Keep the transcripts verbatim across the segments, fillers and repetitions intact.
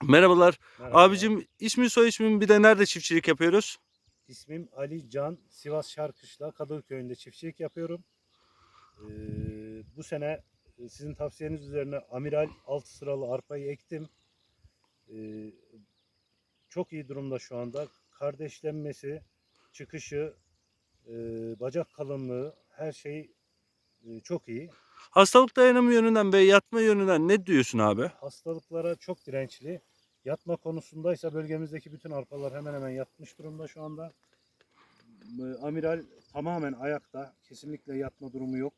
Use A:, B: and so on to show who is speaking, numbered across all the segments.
A: Merhabalar.
B: Merhabalar.
A: Abicim ismin soy ismin bir de nerede çiftçilik yapıyoruz?
B: İsmim Ali Can. Sivas Şarkışla Kadıoğlu köyünde çiftçilik yapıyorum. Ee, bu sene e, sizin tavsiyeniz üzerine Amiral altı sıralı arpayı ektim. Ee, çok iyi durumda şu anda. Kardeşlenmesi, çıkışı, e, bacak kalınlığı her şey e, çok iyi.
A: Hastalık dayanımı yönünden ve yatma yönünden ne diyorsun abi?
B: Hastalıklara çok dirençli. Yatma konusundaysa bölgemizdeki bütün arpalar hemen hemen yatmış durumda şu anda. Amiral tamamen ayakta. Kesinlikle yatma durumu yok.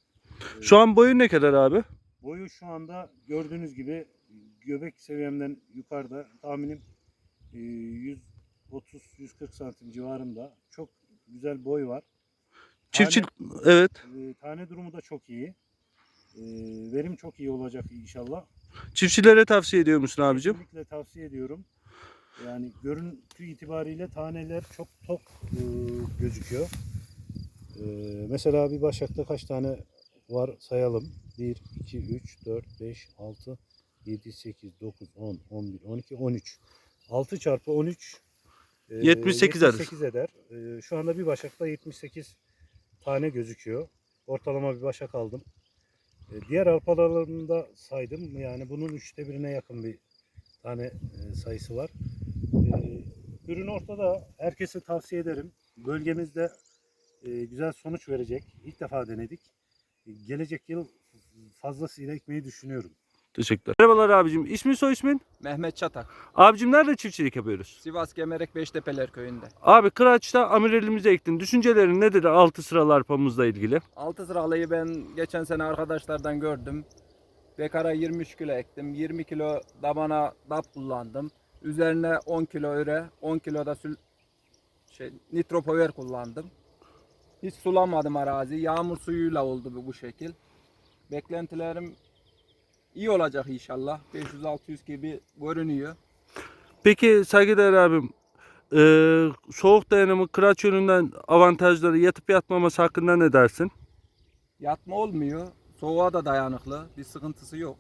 A: Şu an boyu ne kadar abi?
B: Boyu şu anda gördüğünüz gibi göbek seviyemden yukarıda, tahminim yüz otuz yüz kırk santim civarında. Çok güzel boy var. Tane,
A: Çiftçilik evet.
B: e, tane durumu da çok iyi. E, verim çok iyi olacak inşallah.
A: Çiftçilere tavsiye ediyor musun abicim?
B: Kesinlikle tavsiye ediyorum. Yani görüntü itibariyle taneler çok tok e, gözüküyor. E, mesela bir başakta kaç tane var sayalım. bir, iki, üç, dört, beş, altı, yedi, sekiz, dokuz, on, on bir, on iki, on üç. altı çarpı on üç e,
A: yetmiş sekiz eder.
B: yetmiş sekiz eder. E, şu anda bir başakta yetmiş sekiz tane gözüküyor. Ortalama bir başak aldım. E, diğer arpalarında saydım. Yani bunun üçte birine yakın bir tane e, sayısı var. E, ürün ortada. Herkese tavsiye ederim. Bölgemizde e, güzel sonuç verecek. İlk defa denedik. E, gelecek yıl fazlasıyla ekmeyi düşünüyorum.
A: Teşekkürler. Merhabalar abicim. İsmin soy ismin?
C: Mehmet Çatak.
A: Abicim nerede çiftçilik yapıyoruz?
C: Sivas Gemerek Beştepeler köyünde.
A: Abi Kıraç'ta amirelimize ektin. Düşüncelerin nedir altı sıralı arpamızla ilgili?
C: Altı sıralıyı ben geçen sene arkadaşlardan gördüm. Bekara yirmi üç kilo ektim. yirmi kilo damana dap kullandım. Üzerine on kilo üre, on kilo da sül şey nitropover kullandım. Hiç sulamadım arazi. Yağmur suyuyla oldu bu, bu şekil. Beklentilerim iyi olacak inşallah. beş yüz altı yüz gibi görünüyor.
A: Peki saygıdeğer abim, e, soğuk dayanımı Kıraç yönünden avantajları yatıp yatmaması hakkında ne dersin?
C: Yatma olmuyor. Soğuğa da dayanıklı. Bir sıkıntısı yok.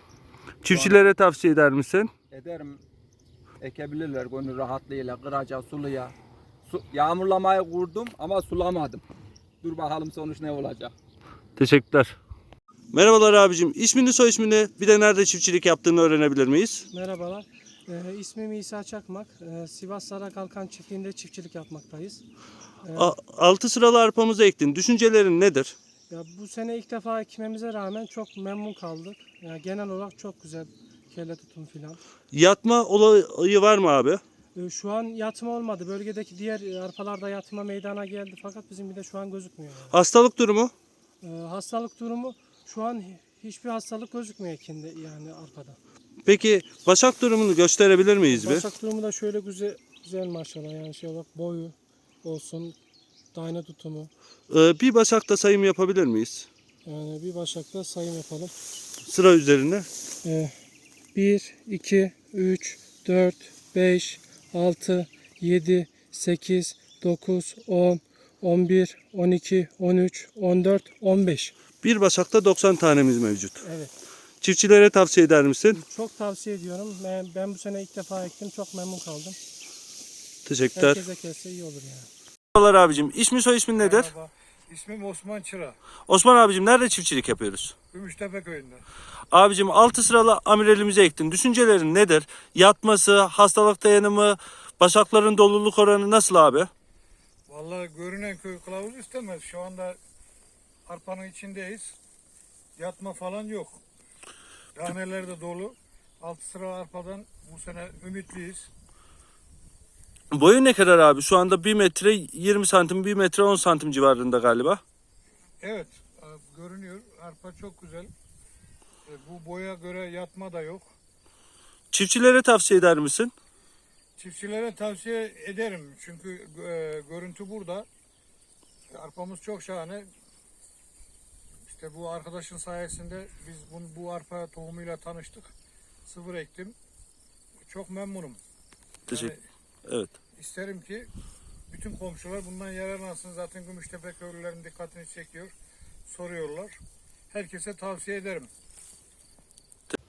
A: Çiftçilere tavsiye eder misin?
C: Ederim. Ekebilirler gönül rahatlığıyla, kıraca, suluya. Su, yağmurlamayı kurdum ama sulamadım. Dur bakalım sonuç ne olacak.
A: Teşekkürler. Merhabalar abicim. İsmini soy ismini bir de nerede çiftçilik yaptığını öğrenebilir miyiz?
D: Merhabalar. Ee, ismim İsa Çakmak. Ee, Sivas Sarakalkan çiftliğinde çiftçilik yapmaktayız. Ee,
A: A- altı sıralı arpamızı ektin. Düşüncelerin nedir?
D: ya bu sene ilk defa ekmemize rağmen çok memnun kaldık. Yani genel olarak çok güzel kelle tutum filan.
A: Yatma olayı var mı abi?
D: Ee, şu an yatma olmadı. Bölgedeki diğer arpalarda yatma meydana geldi fakat bizim bir de şu an gözükmüyor. Yani.
A: Hastalık durumu?
D: Ee, hastalık durumu şu an hiçbir hastalık gözükmüyor ekinde yani arpada.
A: Peki başak durumunu gösterebilir miyiz bir?
D: Başak durumu da şöyle güzel, güzel maşallah yani şey olarak boyu olsun, tane tutumu.
A: Ee, bir başakta sayım yapabilir miyiz?
D: Yani bir başakta sayım yapalım.
A: Sıra üzerine.
D: Ee, bir, iki, üç, dört, beş, altı, yedi, sekiz, dokuz, on, on bir, on iki, on üç, on dört, on beş.
A: Bir başakta doksan tanemiz mevcut.
D: Evet.
A: Çiftçilere tavsiye eder misin?
D: Çok tavsiye ediyorum. Ben, ben bu sene ilk defa ektim. Çok memnun kaldım.
A: Teşekkürler.
D: Herkese kesse iyi olur yani.
A: Merhabalar abicim. İsmi soy ismin nedir?
E: Merhaba. İsmim Osman Çıra.
A: Osman abicim nerede çiftçilik yapıyoruz?
E: Gümüştepe köyünde.
A: Abicim altı sıralı amirelimize ektin. Düşüncelerin nedir? Yatması, hastalık dayanımı, başakların doluluk oranı nasıl abi?
E: Vallahi görünen köy kılavuz istemez. Şu anda arpanın içindeyiz. Yatma falan yok. Taneler de dolu. Altı sıra arpadan bu sene ümitliyiz.
A: Boyu ne kadar abi? Şu anda bir metre yirmi santim, bir metre on santim civarında galiba.
E: Evet, e, görünüyor. Arpa çok güzel. E, Bu boya göre yatma da yok.
A: Çiftçilere tavsiye eder misin?
E: Çiftçilere tavsiye ederim. Çünkü e, görüntü burada. Arpamız çok şahane. İşte bu arkadaşın sayesinde biz bu, bu arpa tohumuyla tanıştık. Sıfır ektim. Çok memnunum.
A: Teşekkür.
E: Yani
A: Evet.
E: isterim ki bütün komşular bundan yararlansın. Zaten Gümüştepe köylülerin dikkatini çekiyor. Soruyorlar. Herkese tavsiye ederim.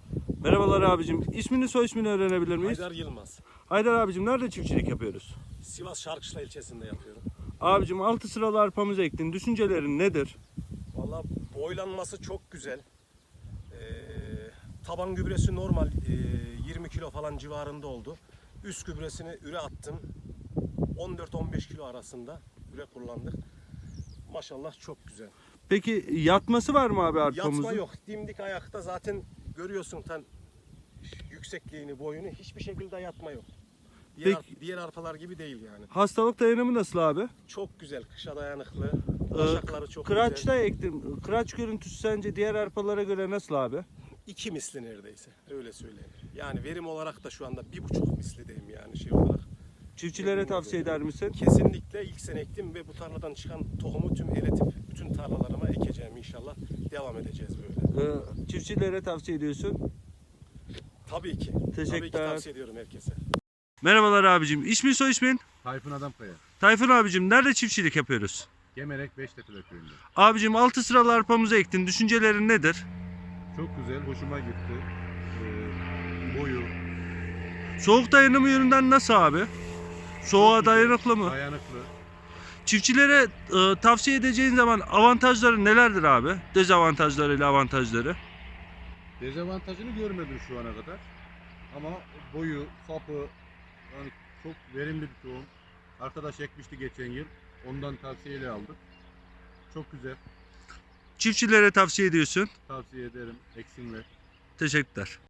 A: Merhabalar abicim. İsmini soy ismini öğrenebilir miyiz?
F: Haydar Yılmaz.
A: Haydar abicim nerede çiftçilik yapıyoruz?
F: Sivas Şarkışla ilçesinde yapıyorum.
A: Abicim altı sıralı arpamızı ektin. Düşüncelerin nedir?
F: Vallahi boylanması çok güzel. Ee, taban gübresi normal e, yirmi kilo falan civarında oldu. Üst gübresini üre attım. on dört on beş kilo arasında üre kullandık. Maşallah çok güzel.
A: Peki yatması var mı abi arpamızın?
F: Yatma yok. Dimdik ayakta zaten görüyorsun tan yüksekliğini, boyunu. Hiçbir şekilde yatma yok. Diğer,
A: Peki-
F: diğer arpalar gibi değil yani.
A: Hastalık dayanımı nasıl abi?
F: Çok güzel. Kışa dayanıklı.
A: Ee,
F: Başakları çok
A: Kıraçta
F: güzel.
A: ektim. Kıraç görüntüsü sence diğer arpalara göre nasıl abi?
F: İki misli neredeyse. Öyle söyleyeyim. Yani verim olarak da şu anda bir buçuk mislideyim yani şey olarak.
A: Çiftçilere tavsiye eder misin?
F: Kesinlikle ilk sene ektim ve bu tarladan çıkan tohumu tüm eletip bütün tarlalarıma ekeceğim inşallah. Devam edeceğiz böyle.
A: Ee, çiftçilere tavsiye ediyorsun.
F: Tabii ki. Tabii ki
A: Teşekkürler.
F: tavsiye ediyorum herkese.
A: Merhabalar abicim. İsmin soy ismin?
G: Tayfun Adamkaya.
A: Tayfun abicim nerede çiftçilik yapıyoruz?
G: Gemerek Beştepe köyünde.
A: Abicim altı sıralı arpamızı ektin. Düşüncelerin nedir?
G: Çok güzel, hoşuma gitti. Ee, boyu,
A: Soğuk dayanımı yönünden nasıl abi? Soğuğa
G: güzel,
A: dayanıklı mı?
G: dayanıklı.
A: Çiftçilere e, tavsiye edeceğin zaman avantajları nelerdir abi? Dezavantajları ile avantajları.
G: Dezavantajını görmedim şu ana kadar. Ama boyu, sapı, yani çok verimli bir tohum. Arkadaş ekmişti geçen yıl. Ondan tavsiyeyle aldık. Çok güzel.
A: Çiftçilere tavsiye ediyorsun.
G: Tavsiye ederim. Eksinler.
A: Teşekkürler.